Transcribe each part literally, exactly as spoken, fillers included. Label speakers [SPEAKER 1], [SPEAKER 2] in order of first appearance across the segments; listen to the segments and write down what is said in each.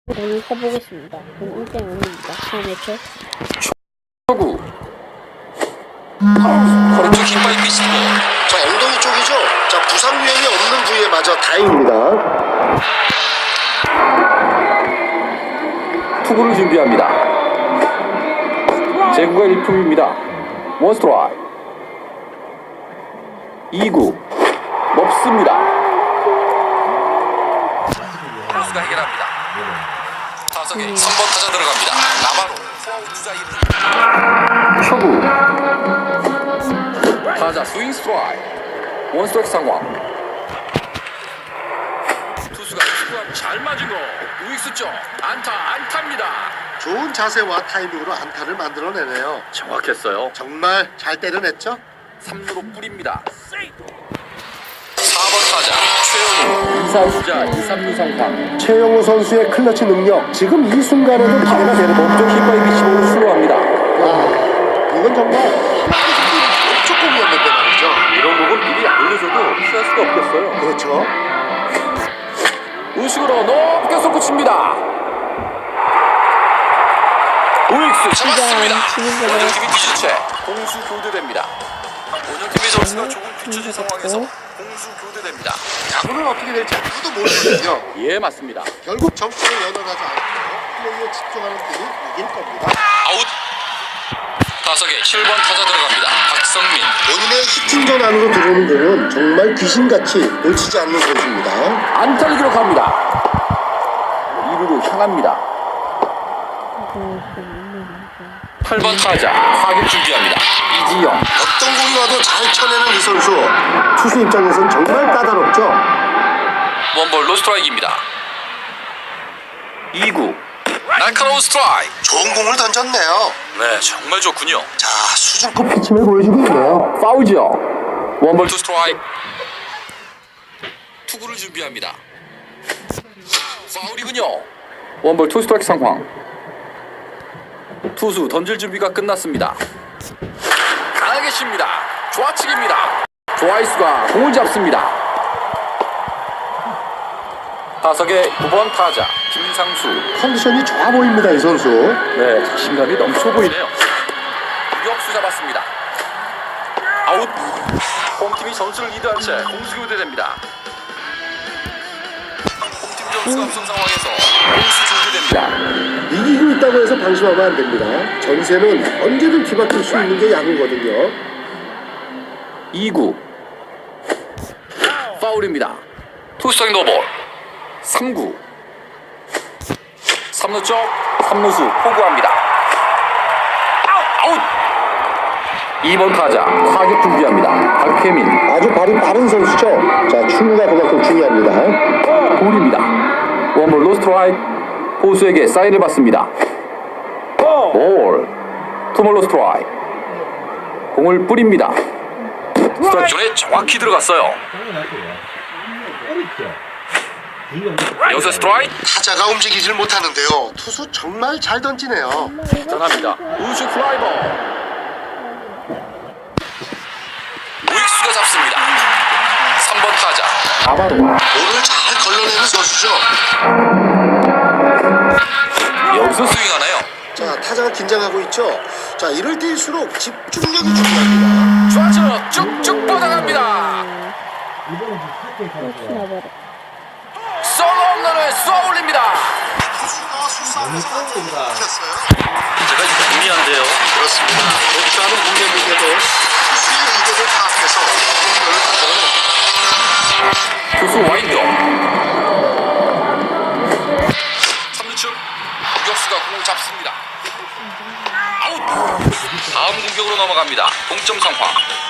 [SPEAKER 1] 오늘 해보겠습니다. 그럼 일 대 영입니다. 처음에 초.
[SPEAKER 2] 초구. 허리 쪽 힙바이 비스볼.
[SPEAKER 3] 자, 엉덩이 쪽이죠? 자, 부상 위험이 없는 부위에 맞아 다행입니다.
[SPEAKER 2] 투구를 준비합니다. 제구가 일품입니다. 원 스트라이크. 이 구 높습니다. 선수가 해결합니다. 타석에 삼 번 타자 들어갑니다. 나바로 초구. 타자 스윙 스트라이크. 원 스트라이크 상황. 투수가 투구함 잘 맞은 거. 우익수 쪽 안타 안타입니다.
[SPEAKER 3] 좋은 자세와 타이밍으로 안타를 만들어내네요.
[SPEAKER 2] 정확했어요.
[SPEAKER 3] 정말 잘 때려냈죠?
[SPEAKER 2] 삼 루로 뿌립니다. 사 번 타자 최영우. 이 사 주자 이, 삼 루 상황.
[SPEAKER 3] 최영우 선수의 클러치 능력, 지금 이 순간에도 기대가 되는 법.
[SPEAKER 2] 몸쪽 힙바이 비치볼을 수로합니다.
[SPEAKER 3] 아, 이건 정말 조금이었는데 말이죠.
[SPEAKER 2] 이런 부분 미리 알려줘도 피할 수가 없겠어요.
[SPEAKER 3] 그렇죠.
[SPEAKER 2] 우측으로 높게 솟구칩니다. 우익수 잡았습니다. 원정팀이 뒤주체 공수 교대됩니다. 원정팀의 선수가 조금 뒤쳐진 상황에서 공수 교대됩니다.
[SPEAKER 3] 야구는 어떻게 될지 아무도 모르거든요.
[SPEAKER 2] 예, 맞습니다.
[SPEAKER 3] 결국 점수를 연연하지 않고 플레이에 집중하는 팀이 이길 겁니다.
[SPEAKER 2] 아웃. 타석에 칠 번 타자 들어갑니다. 박성민.
[SPEAKER 3] 본인의 히팅전 안으로 들어오는 공은 정말 귀신같이 놓치지 않는 선수입니다.
[SPEAKER 2] 안타를 기록합니다. 이 루로 향합니다. 팔 번 타자 타격 준비합니다. 이지영.
[SPEAKER 3] 어떤 공이 와도 잘 쳐내는 이 선수. 투수 입장에선 정말 까다롭죠.
[SPEAKER 2] 원볼 로스트라이크입니다. 이 구 날카로운 스트라이크.
[SPEAKER 3] 좋은 공을 던졌네요.
[SPEAKER 2] 네, 정말 좋군요.
[SPEAKER 3] 자, 수준급 피칭을 보여주고 있네요.
[SPEAKER 2] 파울이죠. 원볼 투 스트라이크. 투구를 준비합니다. 파울이군요. 원볼 투 스트라이크 상황. 투수 던질 준비가 끝났습니다. 강하게 칩니다. 좌측입니다. 좌익수가 공을 잡습니다. 타석의 구 번 타자 김상수.
[SPEAKER 3] 컨디션이 좋아 보입니다, 이 선수.
[SPEAKER 2] 네, 자신감이 넘쳐 보이네요. 유격수 잡았습니다. 아웃. 홈팀이 전술을 리드한 채 공수 교대됩니다. 홈팀 점수가 앞선 상황에서 공수 교대됩니다.
[SPEAKER 3] 이기고 있다고 해서 방심하면 안 됩니다. 전세는 언제든 뒤바뀔 수 있는 게 야구거든요.
[SPEAKER 2] 이 구 파울입니다. 투스트라이크 노볼. 삼 구 삼 루 쪽 삼 루수 포구합니다. 아웃. 이 번 타자 타격 준비합니다. 박혜민.
[SPEAKER 3] 아주 발이 빠른 선수죠. 자, 출루가 그만큼 중요합니다.
[SPEAKER 2] 볼입니다. 원볼 로스트라이크. 포수에게 사인을 받습니다. 볼. 투볼 로스트라이크. 공을 뿌립니다. 스트라이크 존에 정확히 들어갔어요. 여기서 스트라이크.
[SPEAKER 3] 타자가 움직이질 못하는데요. 투수 정말 잘 던지네요.
[SPEAKER 2] 대단합니다. 우측 플라이버. 우익수가 잡습니다. 삼 번 타자 나바로.
[SPEAKER 3] 볼을 잘 걸러내는 선수죠.
[SPEAKER 2] 여기서 스윙하나요?
[SPEAKER 3] 자, 타자가 긴장하고 있죠. 자, 이럴 때일수록 집중력이 중요합니다.
[SPEAKER 2] 좌측 쭉쭉 뻗어갑니다. 솔로 홈런을 쏘아 올립니다.
[SPEAKER 3] 투수가 수싸움에서 한 점을 먹혔어요.
[SPEAKER 2] 제가 궁리한데요.
[SPEAKER 3] 그렇습니다. 독주하는 공의 무게도 투수의 의도를 파악해서 공을 던져요.
[SPEAKER 2] 투수 와인드. 삼 루 측 유격수가 공을 잡습니다. 아웃. 다음 공격으로 넘어갑니다. 동점 상황.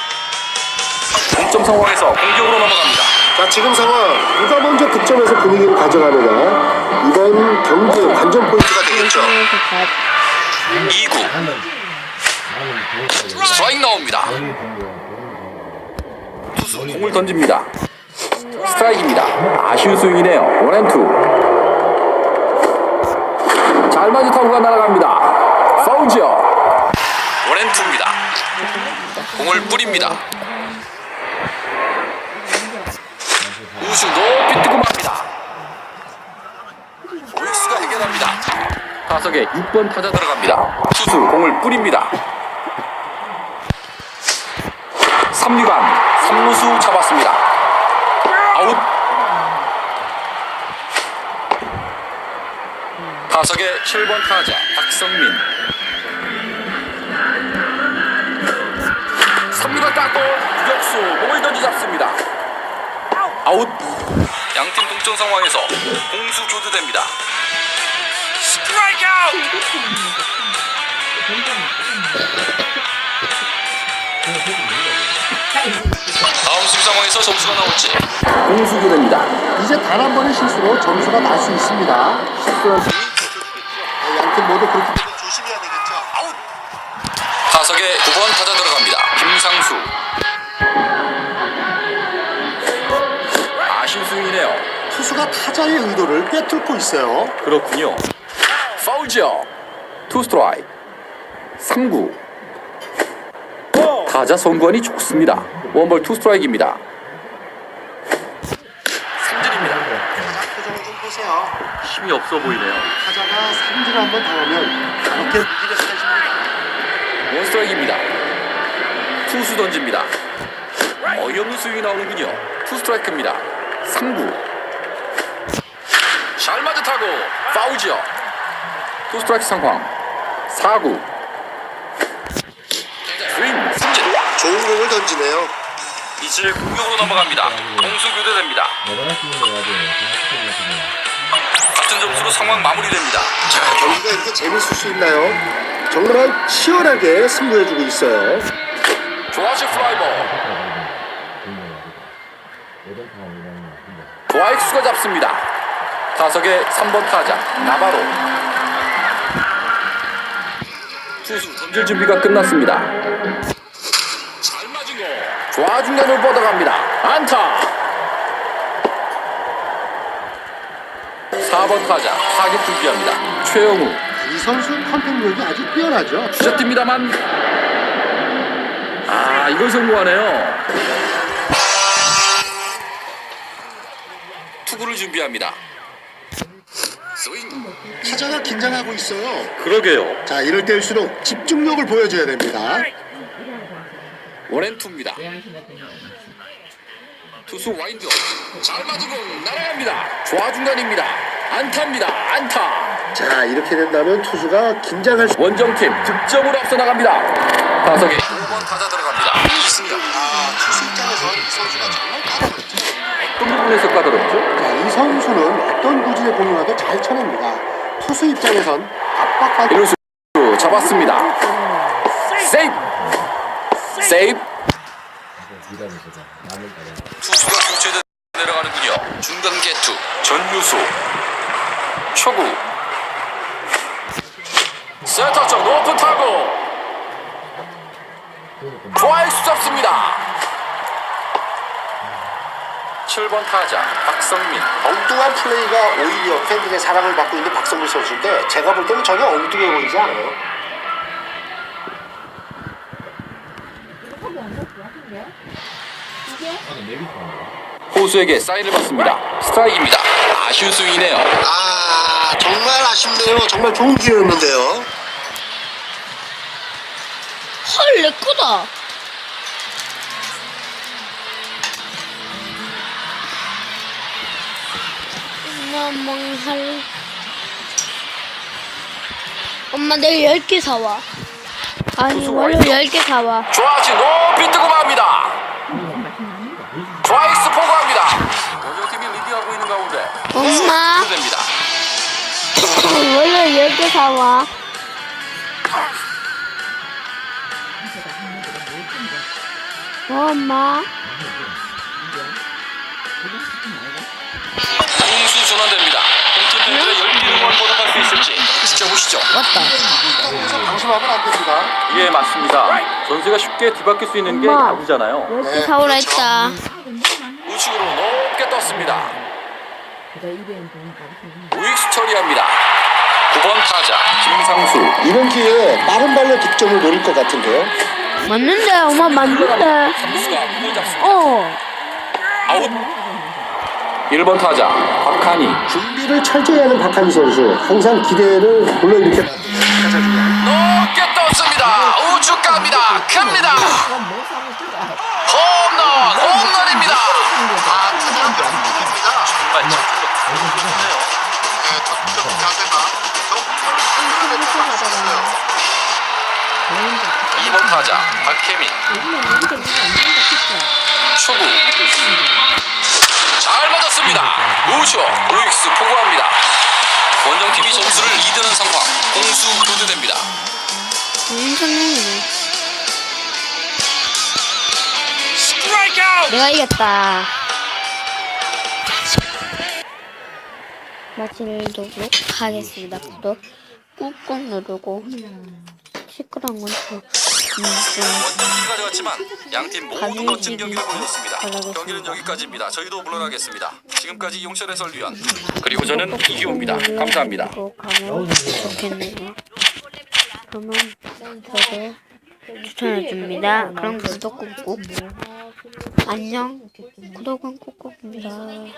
[SPEAKER 2] 동점 상황에서 공격으로 넘어갑니다.
[SPEAKER 3] 자, 지금 상황 누가 먼저 득점해서 분위기를 가져가느냐, 이번 경기의 관전 포인트가 되겠죠.
[SPEAKER 2] 이 구 스트라이크 나옵니다. 투수 공을 던집니다. 스트라이크입니다. 아쉬운 스윙이네요. 원앤투. 잘 맞은 타구가 날아갑니다. 파울이죠. 원앤투입니다. 공을 뿌립니다. 우수 높이 뜨고 맙니다. 우익수가 해결합니다. 타석에 육 번 타자 들어갑니다. 투수 공을 뿌립니다. 삼 루간 삼 루수 잡았습니다. 아웃. 타석에 칠 번 타자 박성민. 삼 루간 깎고 유격수 몸을 던지 잡습니다. 아웃. 양팀 동점 상황에서 공수 교대됩니다. 스트라이크 아웃. 다음 수비 상황에서 점수가 나올지 공수 교대입니다.
[SPEAKER 3] 이제 단 한 번의 실수로 점수가 날 수 있습니다. 실수한 양팀 모두 그렇게 되면 조심해야 되겠죠.
[SPEAKER 2] 아웃. 타석에 구 번 타자 들어갑니다. 김상수. 아쉬운 스윙이네요.
[SPEAKER 3] 투수가 타자의 의도를 꿰뚫고 있어요.
[SPEAKER 2] 그렇군요. 파울지요. 투 스트라이크. 삼 구. 타자 선관이 좋습니다. 원볼 투 스트라이크입니다. 삼진입니다.
[SPEAKER 3] 표정을 좀 보세요.
[SPEAKER 2] 힘이 없어 보이네요.
[SPEAKER 3] 타자가 삼진을 한번 당하면 그렇게 무기가 세집니다.
[SPEAKER 2] 원 스트라이크입니다. 투수 던집니다. 어이없는 스윙이 나오는군요. 투 스트라이크입니다. 삼 구. 잘 맞아 타고 파울지요. 투 스트라이크 상황. 사 구. 스윙 삼진.
[SPEAKER 3] 좋은 공을 던지네요.
[SPEAKER 2] 이제 공격으로 넘어갑니다. 공수 교대됩니다. 같은 점수로 상황 마무리됩니다.
[SPEAKER 3] 자, 경기가 이렇게 재밌을 수 있나요? 정말 치열하게 승부해주고 있어요.
[SPEAKER 2] 조아시 플라이볼. 좌익수가 잡습니다. 타석에 삼 번 타자 나바로. 투수 던질 준비가 끝났습니다. 잘 맞은 거. 좌중간을 뻗어갑니다. 안타. 사 번 타자 타격 준비합니다. 최영우.
[SPEAKER 3] 이 선수 컨택력이 아주 뛰어나죠.
[SPEAKER 2] 주자 뜁니다만 아 이걸 성공하네요. 투구를 준비합니다. 스윙.
[SPEAKER 3] 타자가 긴장하고 있어요.
[SPEAKER 2] 그러게요.
[SPEAKER 3] 자, 이럴 때일수록 집중력을 보여줘야 됩니다.
[SPEAKER 2] 원앤투입니다. 투수 와인드. 잘 맞은 공 날아갑니다. 좌중간입니다. 안타입니다. 안타.
[SPEAKER 3] 자, 이렇게 된다면 투수가 긴장할 수.
[SPEAKER 2] 원정팀 득점으로 앞서 나갑니다. 타석에 오 번 타자 들어갑니다. 이승엽.
[SPEAKER 3] 아, 투수 입장에서 이 선수가 정말 까다롭죠.
[SPEAKER 2] 어떤 부분에서 까다롭죠?
[SPEAKER 3] 자, 이 선수는 어떤 구질의 공이 와도 잘 쳐냅니다. 투수 입장에선 압박받.
[SPEAKER 2] 이루수 잡았습니다. 세이브. 세이브. 투수가 교체돼 내려가는군요. 중간 개투 전유수. 초구. 센터 쪽 높은 타구. 좌익수 잡습니다. 칠 번 타자 박성민.
[SPEAKER 3] 엉뚱한 플레이가 오히려 팬들의 사랑을 받고 있는 박성민 선수인데 제가 볼 때는 전혀 엉뚱해 보이지 않아요.
[SPEAKER 2] 호수에게 사인을 받습니다. 스트라이크입니다. 아쉬운 스윙이네요.
[SPEAKER 3] 아, 정말 아쉽네요. 정말 좋은 기회였는데요.
[SPEAKER 1] 헐, 내 거다. 엄마 망할. 엄마 내일 열 개 사와. 아니 월요일 열 개 사와.
[SPEAKER 2] 좌지 높이 뜨고 맙니다. 좌익수 포고합니다. 원정팀이 리드하고 있는 가운데
[SPEAKER 1] 엄마
[SPEAKER 2] 됩니다.
[SPEAKER 1] 월요일 열 개 사와. 어, 엄마.
[SPEAKER 2] 공수 전환됩니다. 홈팀 팬들의 열띤 응원 보답할 수 있을지 지켜보시죠.
[SPEAKER 1] 맞다.
[SPEAKER 3] 여기서 방심하면 안 됩니다.
[SPEAKER 2] 예 맞습니다. 전세가 쉽게 뒤바뀔 수 있는 게
[SPEAKER 1] 엄마.
[SPEAKER 2] 야구잖아요.
[SPEAKER 1] 열 개 사오라 했다.
[SPEAKER 2] 우측으로 높게 떴습니다. 우익수 처리합니다. 구 번 타자 김상수.
[SPEAKER 3] 이번 기회에 빠른 발로 득점을 노릴 것 같은데요.
[SPEAKER 1] 맞는데 엄마 맞는데.
[SPEAKER 2] 삼수가 공을 잡습니다.
[SPEAKER 1] 어.
[SPEAKER 2] 아웃. 일 번 타자 박하 박하니
[SPEAKER 3] 준비를 철저히 하는 박한희 선수. 항상 기대를 불러일으켜.
[SPEAKER 2] 높게 떴습니다. 우측 갑니다. 큽니다. 홈런, 홈런입니다.
[SPEAKER 4] 아, 타자한테 홈런입니다.
[SPEAKER 2] 정말 잘
[SPEAKER 4] 네, 던전 자세가 좀 쳤어요.
[SPEAKER 2] 이 번 타자 박혜민 초구 잘 맞았습니다. 우쇼 우익수 포고합니다. 원정팀이 점수를 이드는 상황. 공수 교대됩니다.
[SPEAKER 1] 인생이네.
[SPEAKER 2] 스트라이크 아웃.
[SPEAKER 1] 내가 이겼다. 마치도록 하겠습니다. 구독 꾹꾹 누르고 시끄러운 건 좀.
[SPEAKER 2] 원정팀이 가져갔지만 양팀 모두
[SPEAKER 1] 가슴이
[SPEAKER 2] 멋진 경기를 보여줬습니다.
[SPEAKER 1] 바라겠습니다.
[SPEAKER 2] 경기는 여기까지입니다. 저희도 물러나겠습니다. 지금까지 용철 해설위원 그리고 저는 이기호입니다. 감사합니다.
[SPEAKER 1] 고 가면 좋겠네요. 그러면 저도 추천해줍니다. 그럼 구독 꾹꾹. 안녕. 구독은 꾹꾹입니다.